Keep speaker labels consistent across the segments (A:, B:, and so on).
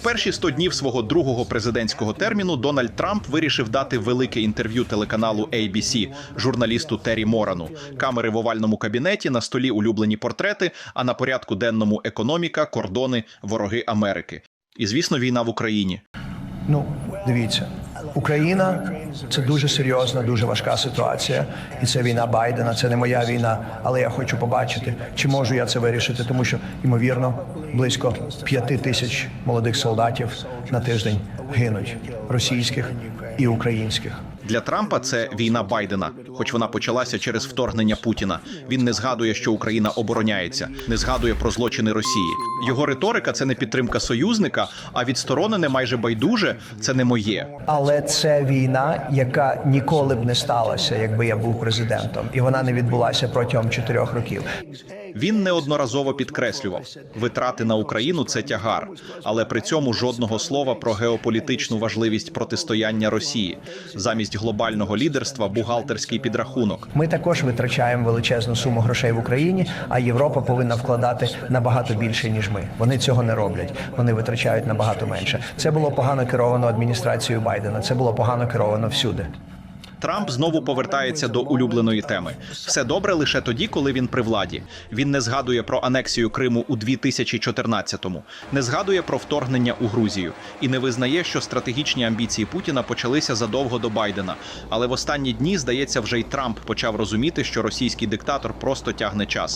A: перші 100 днів свого другого президентського терміну Дональд Трамп вирішив дати велике інтерв'ю телеканалу ABC журналісту Террі Морану. Камери в овальному кабінеті, на столі улюблені портрети, а на порядку денному економіка, кордони, вороги Америки. І, звісно, війна в Україні.
B: Ну, дивіться, Україна – це дуже серйозна, дуже важка ситуація. І це війна Байдена, це не моя війна. Але я хочу побачити, чи можу я це вирішити. Тому що, ймовірно, близько 5 тисяч молодих солдатів на тиждень гинуть. Російських і українських.
A: Для Трампа це війна Байдена, хоч вона почалася через вторгнення Путіна. Він не згадує, що Україна обороняється, не згадує про злочини Росії. Його риторика – це не підтримка союзника, а відсторонене майже байдуже – це не моє.
B: Але це війна, яка ніколи б не сталася, якби я був президентом. І вона не відбулася протягом 4 років.
A: Він неодноразово підкреслював, витрати на Україну – це тягар, але при цьому жодного слова про геополітичну важливість протистояння Росії. Замість глобального лідерства – бухгалтерський підрахунок.
B: Ми також витрачаємо величезну суму грошей в Україні, а Європа повинна вкладати набагато більше, ніж ми. Вони цього не роблять. Вони витрачають набагато менше. Це було погано керовано адміністрацією Байдена. Це було погано керовано всюди.
A: Трамп знову повертається до улюбленої теми. Все добре лише тоді, коли він при владі. Він не згадує про анексію Криму у 2014-му, не згадує про вторгнення у Грузію і не визнає, що стратегічні амбіції Путіна почалися задовго до Байдена. Але в останні дні, здається, вже й Трамп почав розуміти, що російський диктатор просто тягне час.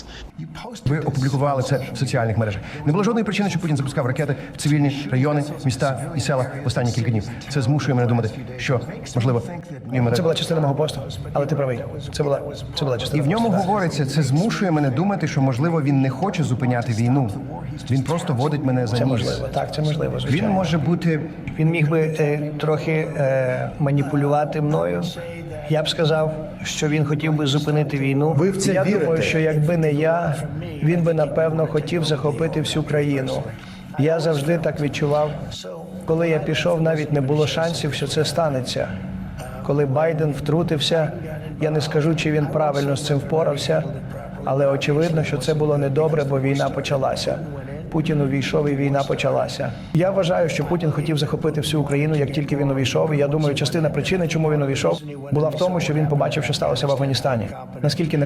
C: Ви опублікували це в соціальних мережах. Не було жодної причини, що Путін запускав ракети в цивільні райони, міста і села в останні кілька днів. Це змушує мене думати, що, можливо,
B: Це була частина мого посту, але ти правий. Це була частина.
C: І в ньому говориться, це змушує мене думати, що, можливо, він не хоче зупиняти війну. Він просто водить мене за
B: Це
C: ніс.
B: можливо, так, це можливо, звичайно.
C: Він може бути...
B: Він міг би трохи маніпулювати мною. Я б сказав, що він хотів би зупинити війну.
C: Ви в це
B: я
C: вірите?
B: думаю, що якби не я, він би, напевно, хотів захопити всю країну. Я завжди так відчував. Коли я пішов, навіть не було шансів, що це станеться. Коли Байден втрутився, я не скажу, чи він правильно з цим впорався, але очевидно, що це було недобре, бо війна почалася. Путін увійшов і війна почалася. Я вважаю, що Путін хотів захопити всю Україну, як тільки він увійшов. І я думаю, частина причини, чому він увійшов, була в тому, що він побачив, що сталося в Афганістані. Наскільки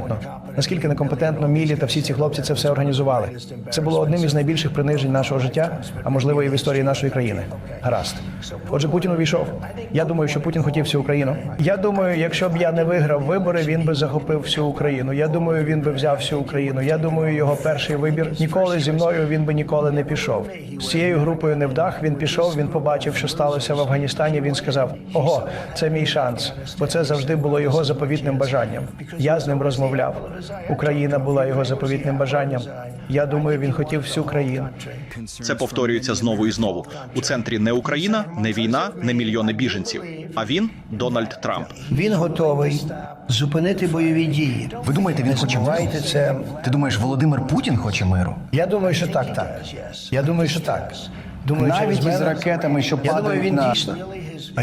B: некомпетентно Мілі та всі ці хлопці це все організували. Це було одним із найбільших принижень нашого життя, а можливо і в історії нашої країни. Гаразд. Отже, Путін увійшов. Я думаю, що Путін хотів всю Україну. Я думаю, якщо б я не виграв вибори, він би захопив всю Україну. Я думаю, він би взяв всю Україну. Я думаю, його перший вибір ніколи зі мною він би ніколи не пішов. З цією групою невдах він пішов, він побачив, що сталося в Афганістані, він сказав: ого, це мій шанс, бо це завжди було його заповітним бажанням. Я з ним розмовляв. Україна була його заповітним бажанням. Я думаю, він хотів всю країну.
A: Це повторюється знову і знову. У центрі не Україна, не війна, не мільйони біженців. А він – Дональд Трамп.
B: Він готовий зупинити бойові дії.
C: Ви думаєте, він хоче миру?
B: це.
C: Ти думаєш, Володимир Путін хоче миру?
B: Я думаю, що так. Я думаю, що так. Думаю,
C: Навіть
B: через
C: із
B: мене-
C: ракетами, що
B: Я думаю,
C: падають
B: він
C: на...
B: дійсно. А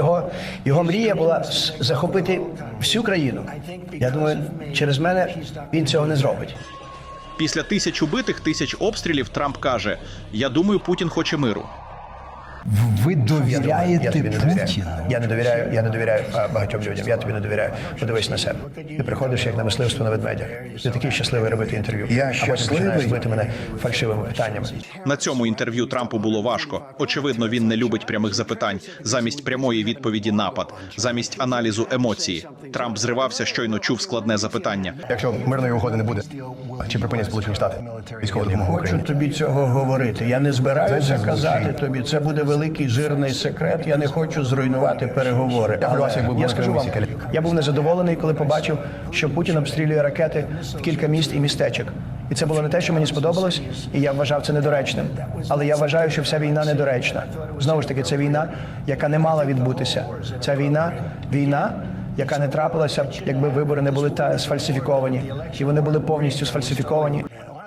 B: його мрія була захопити всю країну. Я думаю, через мене він цього не зробить.
A: Після 1000 убитих, 1000 обстрілів Трамп каже: «Я думаю, Путін хоче миру».
C: Ви
B: Я
C: довіряєте
B: тобі не довіряю.
C: Путіну?
B: Я не довіряю багатьом людям. Я тобі не довіряю. Подивись на себе. Ти приходиш як на мисливство на ведмедя. Ти такий щасливий робити інтерв'ю.
C: Я
B: А потім
C: щасливий?
B: починаєш бити мене фальшивими питаннями.
A: На цьому інтерв'ю Трампу було важко. Очевидно, він не любить прямих запитань. Замість прямої відповіді – напад. Замість аналізу – емоції. Трамп зривався, щойно чув складне запитання.
C: Якщо мирної угоди не буде, чи припинять Сполучені Штати військову допомогу
B: Хочу
C: Україні?
B: тобі цього говорити. Я не збираюся казати тобі. Це буде великий жирний секрет. Я не хочу зруйнувати переговори.
C: Я вас, як був
B: Я скажу вам,
C: місії,
B: я був незадоволений, коли побачив, що Путін обстрілює ракети в кілька міст і містечок. І це було не те, що мені сподобалось, і я вважав це недоречним. Але я вважаю, що вся війна недоречна. Знову ж таки, це війна, яка не мала відбутися. Ця війна, яка не трапилася, якби вибори не були сфальсифіковані. І вони були повністю сфальсифіковані.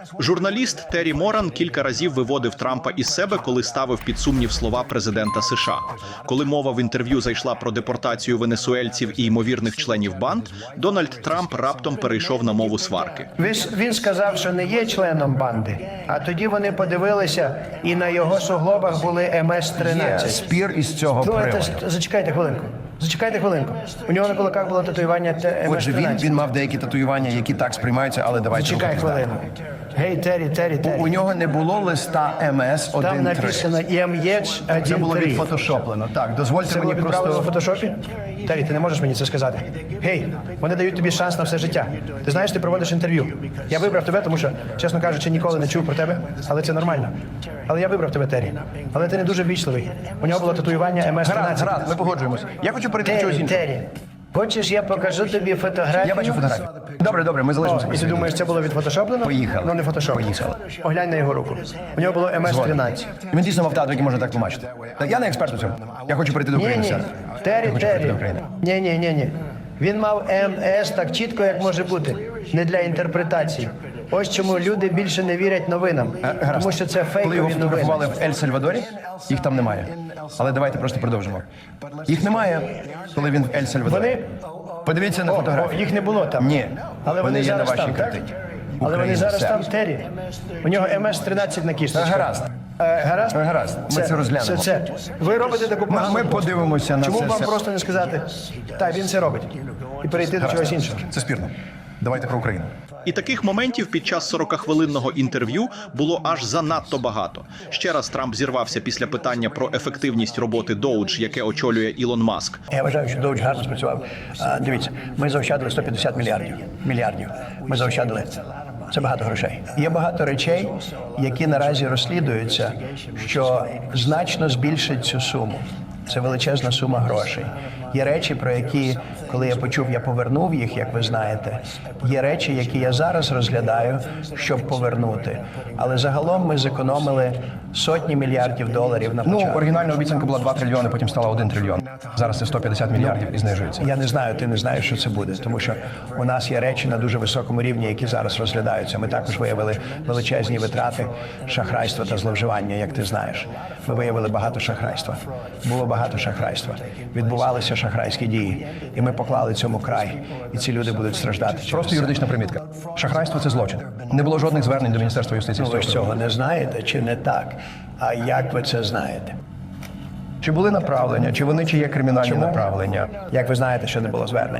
A: Журналіст Террі Моран кілька разів виводив Трампа із себе, коли ставив під сумнів слова президента США. Коли мова в інтерв'ю зайшла про депортацію венесуельців і ймовірних членів банд, Дональд Трамп раптом перейшов на мову сварки.
B: Він сказав, що не є членом банди, а тоді вони подивилися, і на його суглобах були
C: Є
B: МС-13.
C: спір із цього
B: Ну,
C: приводу.
B: зачекайте хвилинку. У нього на кулаках було татуювання
C: Отже,
B: МС-13.
C: він мав деякі татуювання, які так сприймаються, але давайте
B: Зачекай
C: рухатись далі.
B: хвилину. Гей, Террі.
C: У нього не було листа МС
B: Там
C: 1.3.
B: написано МЄЧ
C: Це було
B: 1.3.
C: відфотошоплено. Так, дозвольте
B: Це було
C: мені
B: відправлено в
C: просто...
B: фотошопі? Террі, ти не можеш мені це сказати. Гей, вони дають тобі шанс на все життя. Ти знаєш, ти проводиш інтерв'ю. Я вибрав тебе, тому що, чесно кажучи, ніколи не чув про тебе, але це нормально. Але я вибрав тебе, Террі. Але ти не дуже ввічливий. У нього було татуювання МС-13.
C: Гаразд, ми погоджуємось. Я хочу перейти до чогось іншого.
B: Террі, хочеш, я покажу тобі фотографію?
C: Я бачу фотографію. Добре, ми залишимося.
B: І ти думаєш, це було відфотошоплено?
C: Поїхали.
B: Ну, не фотошоплено.
C: Поїхали.
B: Поглянь на його руку. У нього було МС-13.
C: Він дійсно мав тату, який може так тлумачити. Так, я не експерт у цьому. Я хочу перейти до України.
B: Ні.
C: сер. Я
B: Террі.
C: хочу перейти до України.
B: Ні. Він мав МС так чітко, як може бути. Не для інтерпретації. Ось чому люди більше не вірять новинам.
C: Гаразд.
B: Тому що це
C: Коли його
B: фейкові
C: фотографували
B: новини.
C: в Ель-Сальвадорі, їх там немає. Але давайте просто продовжимо. Їх немає, коли він в Ель-Сальвадорі.
B: Вони...
C: Подивіться на фотографію.
B: Їх не було там.
C: Ні.
B: Але вони
C: є на
B: зараз
C: вашій
B: там, так?
C: картині.
B: Але вони
C: Україна,
B: зараз
C: все.
B: там, Террі. У нього МС-13 на кісточці.
C: Гаразд.
B: Гаразд?
C: Гаразд. Ми це розглянемо.
B: Це. Ви робите таку погану
C: Ми
B: роботу.
C: подивимося на
B: Чому
C: це
B: вам
C: все.
B: просто не сказати, так, він це робить, і перейти до чогось іншого?
C: Це спірно. Давайте про Україну.
A: І таких моментів під час 40-хвилинного інтерв'ю було аж занадто багато. Ще раз Трамп зірвався після питання про ефективність роботи Doge, яке очолює Ілон Маск.
B: Я вважаю, що Doge гарно спрацював. Дивіться, ми заощадили 150 мільярдів. Ми заощадили. Це багато грошей. Є багато речей, які наразі розслідуються, що значно збільшать цю суму. Це величезна сума грошей. Є речі, про які, коли я почув, я повернув їх, як ви знаєте. Є речі, які я зараз розглядаю, щоб повернути. Але загалом ми зекономили сотні мільярдів доларів на початку.
C: Оригінальна обіцянка була 2 трильйони, потім стала 1 трильйон. Зараз це 150 мільярдів і знижується.
B: Я не знаю, ти не знаєш, що це буде, тому що у нас є речі на дуже високому рівні, які зараз розглядаються. Ми також виявили величезні витрати, шахрайства та зловживання, як ти знаєш. Ми виявили багато шахрайства. Було багато шахрайства. Відбувалися шахрайські дії. І ми поклали цьому край. І ці люди будуть страждати.
C: Просто юридична примітка. Шахрайство – це злочин. Не було жодних звернень до Міністерства юстиції.
B: Ви ж цього не знаєте чи не так? А як ви це знаєте?
C: Чи були направлення, чи вони чи є кримінальні направлення?
B: Як ви знаєте, що не було звернень?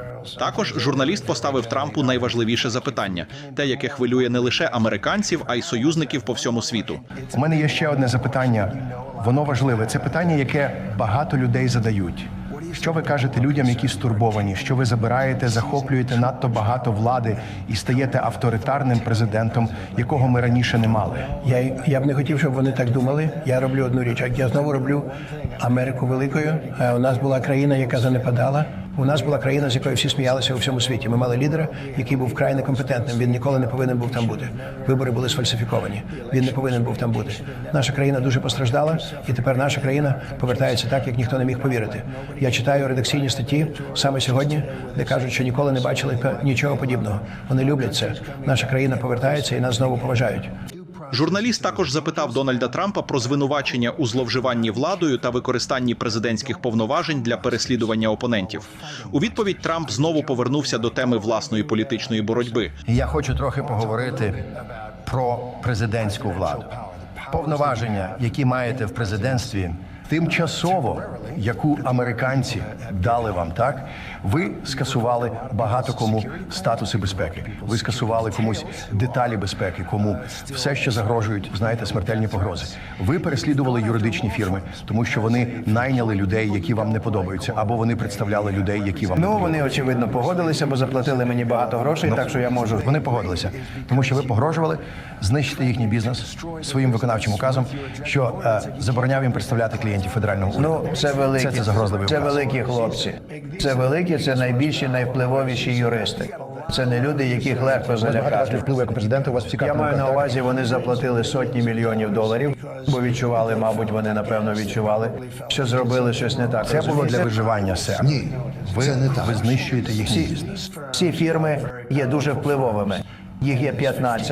A: Також журналіст поставив Трампу найважливіше запитання – те, яке хвилює не лише американців, а й союзників по всьому світу.
C: У мене є ще одне запитання. Воно важливе. Це питання, яке багато людей задають. Що ви кажете людям, які стурбовані? Що ви забираєте, захоплюєте надто багато влади і стаєте авторитарним президентом, якого ми раніше не мали?
B: Я б не хотів, щоб вони так думали. Я роблю одну річ. Я знову роблю Америку великою. У нас була країна, яка занепадала. У нас була країна, з якої всі сміялися у всьому світі. Ми мали лідера, який був вкрай некомпетентним. Він ніколи не повинен був там бути. Вибори були сфальсифіковані. Він не повинен був там бути. Наша країна дуже постраждала, і тепер наша країна повертається так, як ніхто не міг повірити. Я читаю редакційні статті саме сьогодні, де кажуть, що ніколи не бачили нічого подібного. Вони люблять це. Наша країна повертається і нас знову поважають.
A: Журналіст також запитав Дональда Трампа про звинувачення у зловживанні владою та використанні президентських повноважень для переслідування опонентів. У відповідь Трамп знову повернувся до теми власної політичної боротьби.
C: Я хочу трохи поговорити про президентську владу. Повноваження, які маєте в президентстві, тимчасово, яку американці дали вам, так? Ви скасували багато кому статуси безпеки. Ви скасували комусь деталі безпеки, кому все, що загрожують, знаєте, смертельні погрози. Ви переслідували юридичні фірми, тому що вони найняли людей, які вам не подобаються, або вони представляли людей, які вам не подобаються.
B: Вони, очевидно, погодилися, бо заплатили мені багато грошей, так що я можу.
C: Вони погодилися, тому що ви погрожували знищити їхній бізнес своїм виконавчим указом, що забороняв їм представляти клієнтів федерального уряду.
B: Ну, це великі.
C: Це загрозливий
B: Це
C: указ.
B: великі хлопці. Це великі, це найбільші, найвпливовіші юристи. Це не люди, яких легко залякати.
C: Впливу як президента у вас всі
B: Я
C: карти на
B: маю на
C: руках, так?
B: увазі, вони заплатили сотні мільйонів доларів, бо відчували, мабуть, вони напевно відчували, що зробили щось не так.
C: Це було для
B: Розумієте?
C: виживання, сер.
D: Ні, це не так.
C: Ви знищуєте їхній бізнес.
B: Всі фірми є дуже впливовими. Їх є 15.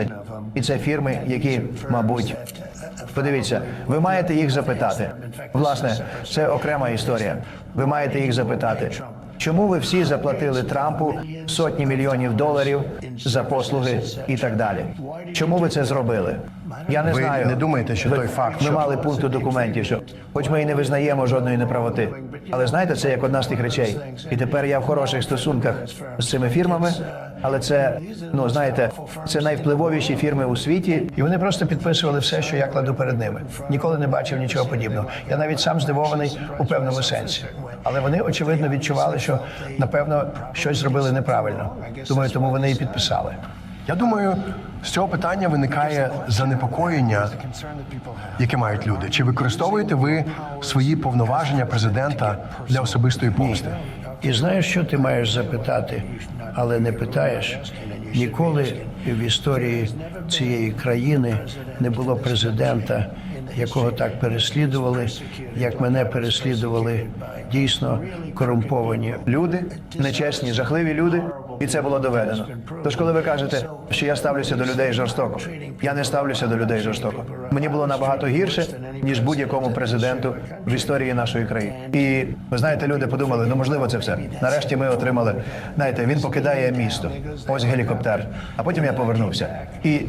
B: І це фірми, які, мабуть, подивіться, ви маєте їх запитати. Власне, це окрема історія. Ви маєте їх запитати. Чому ви всі заплатили Трампу сотні мільйонів доларів за послуги і так далі? Чому ви це зробили? Я не
C: Ви
B: знаю.
C: не думаєте, що той факт,
B: Ми
C: що-
B: мали пункт у документі, що хоч ми і не визнаємо жодної неправоти. Але знаєте, це як одна з тих речей. І тепер я в хороших стосунках з цими фірмами, але це, ну знаєте, це найвпливовіші фірми у світі. І вони просто підписували все, що я кладу перед ними. Ніколи не бачив нічого подібного. Я навіть сам здивований у певному сенсі. Але вони, очевидно, відчували, що, напевно, щось зробили неправильно. Думаю, тому вони і підписали.
C: Я думаю, з цього питання виникає занепокоєння, яке мають люди. Чи використовуєте ви свої повноваження президента для особистої помсти?
B: І знаєш, що ти маєш запитати, але не питаєш? Ніколи в історії цієї країни не було президента, якого так переслідували, як мене переслідували дійсно корумповані люди, нечесні, жахливі люди, і це було доведено. Тож, коли ви кажете, що я ставлюся до людей жорстоко, я не ставлюся до людей жорстоко. Мені було набагато гірше, ніж будь-якому президенту в історії нашої країни. І ви знаєте, люди подумали, ну можливо, це все. Нарешті ми отримали. Знаєте, він покидає місто. Ось гелікоптер. А потім я повернувся. І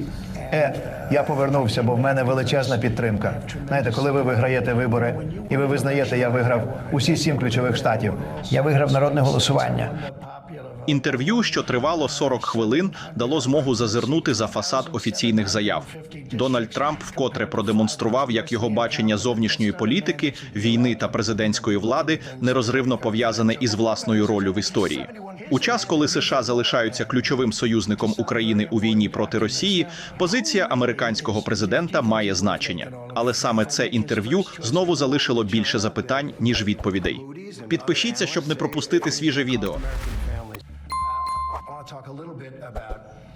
B: я повернувся, бо в мене величезна підтримка. Знаєте, коли ви виграєте вибори, і ви визнаєте, я виграв усі 7 ключових штатів. Я виграв народне голосування.
A: Інтерв'ю, що тривало 40 хвилин, дало змогу зазирнути за фасад офіційних заяв. Дональд Трамп вкотре продемонстрував, як його бачення зовнішньої політики, війни та президентської влади нерозривно пов'язане із власною роллю в історії. У час, коли США залишаються ключовим союзником України у війні проти Росії, позиція американського президента має значення. Але саме це інтерв'ю знову залишило більше запитань, ніж відповідей. Підпишіться, щоб не пропустити свіже відео.
C: I want to talk a little bit about